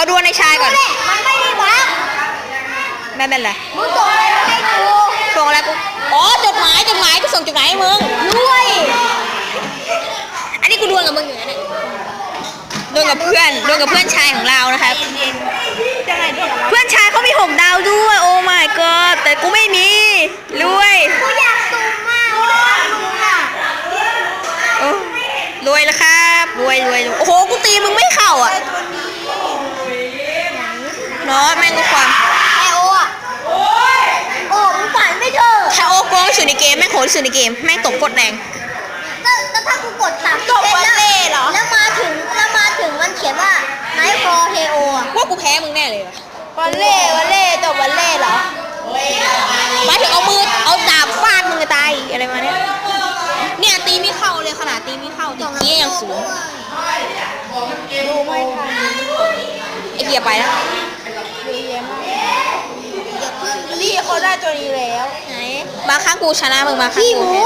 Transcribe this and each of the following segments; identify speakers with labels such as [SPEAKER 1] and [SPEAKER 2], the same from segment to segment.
[SPEAKER 1] ดวลในชายก่อน
[SPEAKER 2] มันไม่ได้บัก
[SPEAKER 1] ไม่เป็นไร
[SPEAKER 2] มึงส่งอะไรมาให้กู
[SPEAKER 1] ส่งอะไรกูอ๋อจดหมายกูส่งจดหมายให้มึง
[SPEAKER 2] ด้วย
[SPEAKER 1] อันนี้กูดวลกับมึงอยู่นะเนี่ยดวลกับเพื่อนชายของเรานะครับเพื่อนชายเขามี6 ดาวด้วยโอ้ my god แต่กูไม่มีรวย
[SPEAKER 2] กูอยากสูงมากกูอยากสูงอ่ะ
[SPEAKER 1] โอ้รวยแล้วครับรวยโอ้โหกูตีมึงไม่เข้าอ่ะเนาะแม่งก็ความ
[SPEAKER 2] ไอโออ่ะโอ้มึงฝันไม่เถอะ
[SPEAKER 1] ถ้าโอ้โกงที่สุดในเกมแม่งโหดที่สุดในเกมแม่งตบกดแรง
[SPEAKER 2] แล้วถ้ากูกด3
[SPEAKER 1] จบวันเล่เหรอ
[SPEAKER 2] แล้วมาถึงมันเขียนว่าไนท์ฟอร์เฮโออ่ะ
[SPEAKER 1] ว่ากูแพ้มึงแน่เลยวะ
[SPEAKER 2] วันเล่จบวันเล่เหรอ
[SPEAKER 1] หมายถึงเอาดาบฟาดมึงจะตายอะไรมาเนี่ยตีไม่เข้าเลยขนาดตีไม่เข้าตีกี้ยังสูง
[SPEAKER 2] ดูไม่ทัน
[SPEAKER 1] ไอเกียร์ไปแล้ว
[SPEAKER 2] ลี่เขาได้ตัวนี้แล้ว
[SPEAKER 1] ไหนบางครั้งกูชนะมึงบางครั้ง
[SPEAKER 2] พี่ห
[SPEAKER 1] กู
[SPEAKER 2] มู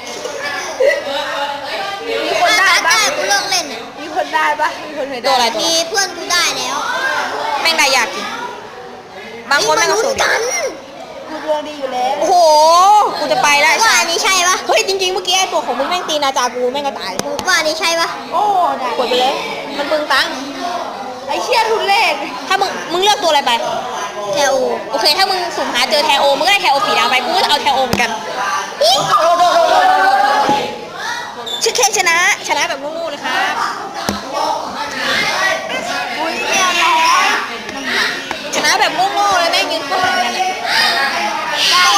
[SPEAKER 1] แพ้
[SPEAKER 2] มีคนได้ปะกูเลิกเล่นอ่ะ
[SPEAKER 3] มีคนได้ปะมีคนเคย
[SPEAKER 1] ตัว
[SPEAKER 3] ได้
[SPEAKER 1] อะไรตัว
[SPEAKER 2] มีเพื่อนกูได้แล้ว
[SPEAKER 1] แม่งได้ยากจริงบางคนแม่งก็
[SPEAKER 2] ลุ้
[SPEAKER 1] สู
[SPEAKER 2] น
[SPEAKER 1] ง
[SPEAKER 2] กัน
[SPEAKER 3] กูดวงดีอยู่แล้ว
[SPEAKER 1] โอ้โหกูจะไปแล้ว
[SPEAKER 2] ว่าอันนี้ใช่ปะ
[SPEAKER 1] เฮ้ยจริงๆเมื่อกี้ไอตัวของมึงแม่งตีนาจากูแม่งก็ตาย
[SPEAKER 2] ว่าอันนี้ใช่ปะ
[SPEAKER 3] โอ้ได้
[SPEAKER 1] กดไปเลยมันปึงตังค์
[SPEAKER 3] ไอเชี่ยทุเรศ
[SPEAKER 1] ถ้ามึงเลือกตัวอะไรไป
[SPEAKER 2] แถว
[SPEAKER 1] โอเคถ้ามึงสุ่มหาเจอแทโอมึงก็ได้แทโอสีดาวไปกูก็จะเอาแทโอเหมือนกันชื่อเคนชนะแบบงูๆเลยครับ
[SPEAKER 2] อุ้ยเนี่ยร้อน
[SPEAKER 1] ชนะแบบโง่ๆเลยแม่งยืนก็เหมือนกันเลย